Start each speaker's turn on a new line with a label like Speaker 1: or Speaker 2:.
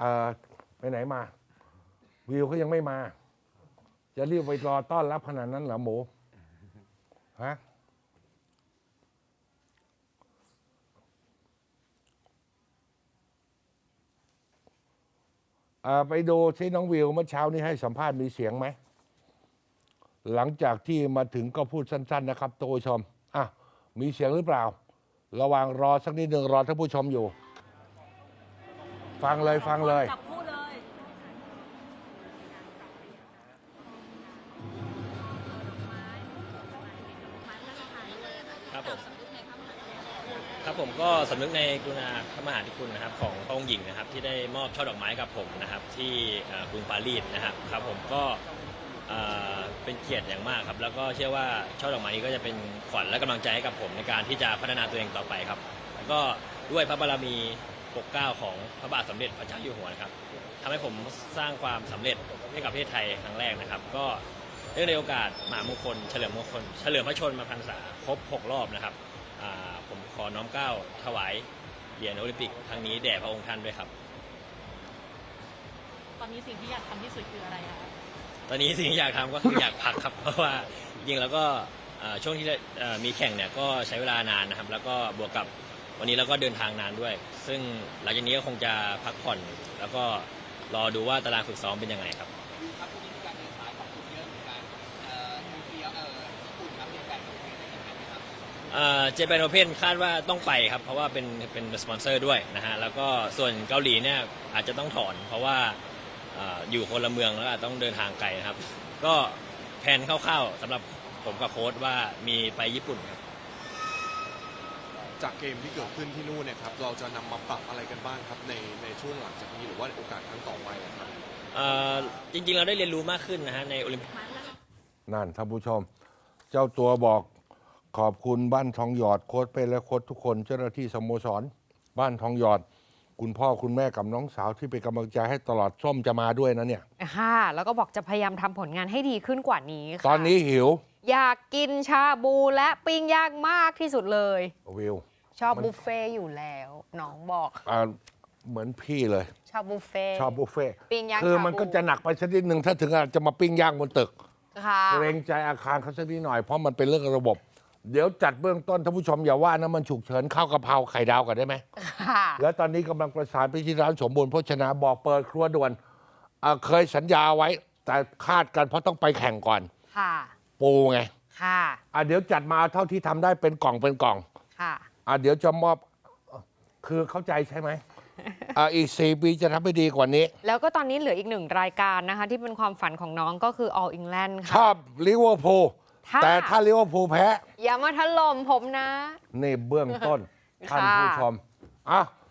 Speaker 1: ไปไหนมาวิวเขายังไม่มาจะรีบไปรอต้อนรับขนาดนั้นเหรอหมูฮะไปดูที่น้องวิวเมื่อเช้านี้ให้สัมภาษณ์มีเสียงไหมหลังจากที่มาถึงก็พูดสั้นๆนะครับท่านผู้ชมมีเสียงหรือเปล่าระหว่างรอสักนิดหนึ่งรอท่านผู้ชมอยู่ฟังเลยฟังเลย
Speaker 2: ครับผมก็สำนึกในกรุณาพระมหากรุณาธิคุณนะครับของพระองค์หญิงนะครับที่ได้มอบช่อดอกไม้กับผมนะครับที่กรุงปารีสนะครับผมก็เป็นเกียรติอย่างมากครับแล้วก็เชื่อว่าช่อดอกไม้นี้ก็จะเป็นขวัญและกำลังใจให้กับผมในการที่จะพัฒนาตัวเองต่อไปครับแล้วก็ด้วยพระบารมีปกเกล้าของพระบาทสมเด็จพระเจ้าอยู่หัวนะครับทำให้ผมสร้างความสำเร็จให้กับประเทศไทยครั้งแรกนะครับก็เนื่องในโอกาสมหามงคลเฉลิมพระชนมพรรษาครบ6 รอบนะครับผมขอน้อมเกล้าถวายเหรียญโอลิมปิกครั้งนี้แด่พระองค์ท่านด้วยครับ
Speaker 3: ตอนนี้สิ่งที่อยากทำที่สุดคืออะไรคะ
Speaker 2: ตอนนี้สิ่งที่อยากทำก็คืออยากพักครับเพราะว่าจริงแล้วก็ช่วงที่มีแข่งเนี่ยก็ใช้เวลานานนะครับแล้วก็บวกกับวันนี้เราก็เดินทางนานด้วย ซึ่งหลังจากนี้ก็คงจะพักผ่อนแล้วก็รอดูว่าตารางฝึกซ้อมเป็นยังไงครับเจแปนโอเพ่นคาดว่าต้องไปครับเพราะว่าเป็นสปอนเซอร์ด้วยนะฮะแล้วก็ส่วนเกาหลีเนี่ยอาจจะต้องถอนเพราะว่าอยู่คนละเมืองแล้วต้องเดินทางไกลนะครับก็แผนคร่าวๆสำหรับผมกับโค้ชว่ามีไปญี่ปุ่นครับ
Speaker 4: จากเกมที่เกิดขึ้นที่นู่นเนี่ยครับเราจะนำมาปรับอะไรกันบ้างครับในช่วงหลังจากนี้หรือว่าโอกาสครั้งต่อไปครับ
Speaker 2: จริงๆเราได้เรียนรู้มากขึ้นนะฮะในโอลิมปิก
Speaker 1: นั่นท่านผู้ชมเจ้าตัวบอกขอบคุณบ้านทองหยอดโค้ชเป้และโค้ชทุกคนเจ้าหน้าที่สโมสรบ้านทองหยอดคุณพ่อคุณแม่กับน้องสาวที่เป็นกำลังใจให้ตลอดส้มจะมาด้วยนะเนี่ย
Speaker 5: ค่ะแล้วก็บอกจะพยายามทำผลงานให้ดีขึ้นกว่านี้ค่ะ
Speaker 1: ตอนนี้หิว
Speaker 5: อยากกินชาบูและปิ้งย่างมากที่สุดเลย
Speaker 1: วิว
Speaker 5: ชอบบุฟเฟ่อยู่แล้วน้องบอก
Speaker 1: เหมือนพี่เลย
Speaker 5: ชอบบุฟเฟ่ปิ้งย่าง
Speaker 1: คือมันก็จะหนักไปสักนิดหนึ่งถ้าถึงจะมาปิ้งย่างบนตึกเกรงใจอาคารเขาสักนิดหน่อยเพราะมันเป็นเรื่องระบบเดี๋ยวจัดเบื้องต้นท่านผู้ชมอย่าว่านะมันฉุกเฉินข้าวกะเพราไข่ดาวกันได้ไหมแล้วตอนนี้กำลังประสานไปที่ร้านสมบูรณ์โภชนาบอกเปิดครัวด่วนเคยสัญญาไว้แต่คาดกันเพราะต้องไปแข่งก่อนปูไงเดี๋ยวจัดมาเท่าที่ทำได้เป็นกล่องเดี๋ยวจะมอบคือเข้าใจใช่ไหมอีก4 ปีจะทำให้ดีกว่านี้
Speaker 5: แล้วก็ตอนนี้เหลืออีก1 รายการนะคะที่เป็นความฝันของน้องก็คือ All England ค่ะ
Speaker 1: ชอบลิเวอร์พูลแต่ถ้าลิเวอร์พูลแพ้
Speaker 5: อย่ามาถล่มผมนะ
Speaker 1: นี่เบื้องต้นท่านผู้ชม